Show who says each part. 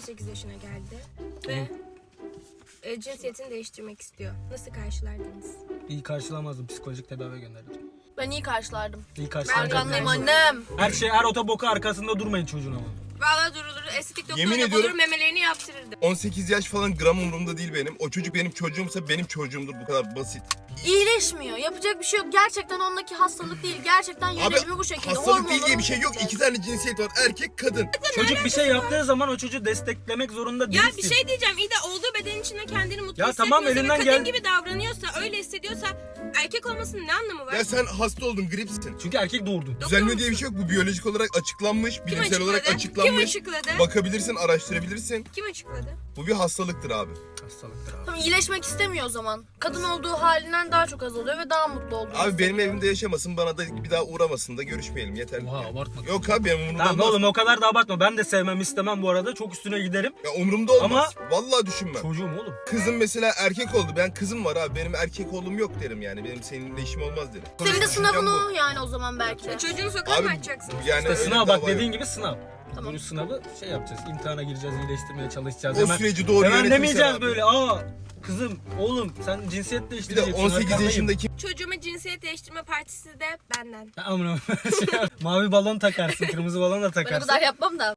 Speaker 1: 18 yaşına geldi ve cinsiyetini değiştirmek istiyor. Nasıl karşılardınız?
Speaker 2: İyi karşılamazdım. Psikolojik tedaviye gönderdim.
Speaker 3: Ben iyi karşılardım.
Speaker 2: İyi karşılardım.
Speaker 3: Arkandayım annem.
Speaker 2: Her otoboka arkasında durmayın çocuğun ama.
Speaker 1: Valla durulur. Estetik
Speaker 4: Yemin
Speaker 1: doktoruna bulur,
Speaker 4: ediyorum-
Speaker 1: memelerini yaptırırdı.
Speaker 4: 18 yaş falan gram umurumda değil benim. O çocuk benim çocuğumsa benim çocuğumdur, bu kadar basit.
Speaker 3: İyileşmiyor. Yapacak bir şey yok. Gerçekten ondaki hastalık değil. Gerçekten yönelimi bu şekilde.
Speaker 4: Hastalık değil
Speaker 3: Hormonları
Speaker 4: diye bir
Speaker 3: bu
Speaker 4: şey yok.
Speaker 3: şekilde.
Speaker 4: 2 tane cinsiyet var. Erkek, kadın.
Speaker 2: Çocuk bir şey yaptığı zaman o çocuğu desteklemek zorunda değilsin.
Speaker 1: Ya bir şey diyeceğim. İyi de olduğu beden içinde kendini mutlu
Speaker 2: Ya
Speaker 1: hissetmiyorsa
Speaker 2: tamam, elinden
Speaker 1: ve kadın
Speaker 2: gel-
Speaker 1: gibi davranıyorsa, öyle hissediyorsa erkek olmasının ne anlamı var?
Speaker 4: Ya sen hasta oldun, gripsin.
Speaker 2: Çünkü erkek doğurdun.
Speaker 4: Düzelme diye bir şey yok. Bu biyolojik olarak açıklanmış,
Speaker 1: Kim
Speaker 4: bilimsel olarak
Speaker 1: Kim
Speaker 4: açıklanmış.
Speaker 1: açıkladı?
Speaker 4: Bakabilirsin, araştırabilirsin.
Speaker 1: Kim açıkladı?
Speaker 4: Bu bir hastalıktır abi.
Speaker 2: Hastalıktır abi.
Speaker 3: Tamam, iyileşmek istemiyor o zaman. Kadın olduğu halinden daha çok azalıyor ve daha mutlu oluyor.
Speaker 4: Abi benim evimde yaşamasın, bana da bir daha uğramasın da görüşmeyelim, yeterli.
Speaker 2: Oha, abartma.
Speaker 4: Yok abi, benim umurumda
Speaker 2: Tamam
Speaker 4: olmaz.
Speaker 2: oğlum, o kadar da abartma. Ben de sevmem istemem bu arada. Çok üstüne giderim.
Speaker 4: Ya umurumda olmaz. Vallahi düşünmem.
Speaker 2: Çocuğum oğlum.
Speaker 4: Kızım mesela erkek oldu. Ben kızım var abi. Benim erkek oğlum yok derim yani. Benim seninle işim olmaz derim.
Speaker 3: Senin de
Speaker 4: Düşüncem
Speaker 3: sınavını
Speaker 4: bu.
Speaker 3: yani o zaman belki de.
Speaker 1: Çocuğunu sokağa
Speaker 4: Abi
Speaker 1: mı atacaksın?
Speaker 4: yani
Speaker 2: İşte
Speaker 4: öyle
Speaker 2: sınav
Speaker 4: bir
Speaker 2: bak,
Speaker 4: dava
Speaker 2: dediğin
Speaker 4: yok.
Speaker 2: gibi sınav.
Speaker 3: Tamam.
Speaker 2: Bunun sınavı şey yapacağız. İmtihana gireceğiz, iyileştirmeye çalışacağız.
Speaker 4: O süreci doğru
Speaker 2: hemen
Speaker 4: yönetirsen
Speaker 2: demeyeceğiz
Speaker 4: abi.
Speaker 2: böyle. Kızım, oğlum sen cinsiyet
Speaker 4: Bir de
Speaker 2: değiştireceksin.
Speaker 4: 18
Speaker 2: arkandayım.
Speaker 4: yaşındaki
Speaker 1: Çocuğuma cinsiyet değiştirme partisi de benden.
Speaker 2: Ya amına. Mavi balon takarsın, kırmızı balon da
Speaker 3: Ben o
Speaker 2: takarsın.
Speaker 3: kadar yapmam da.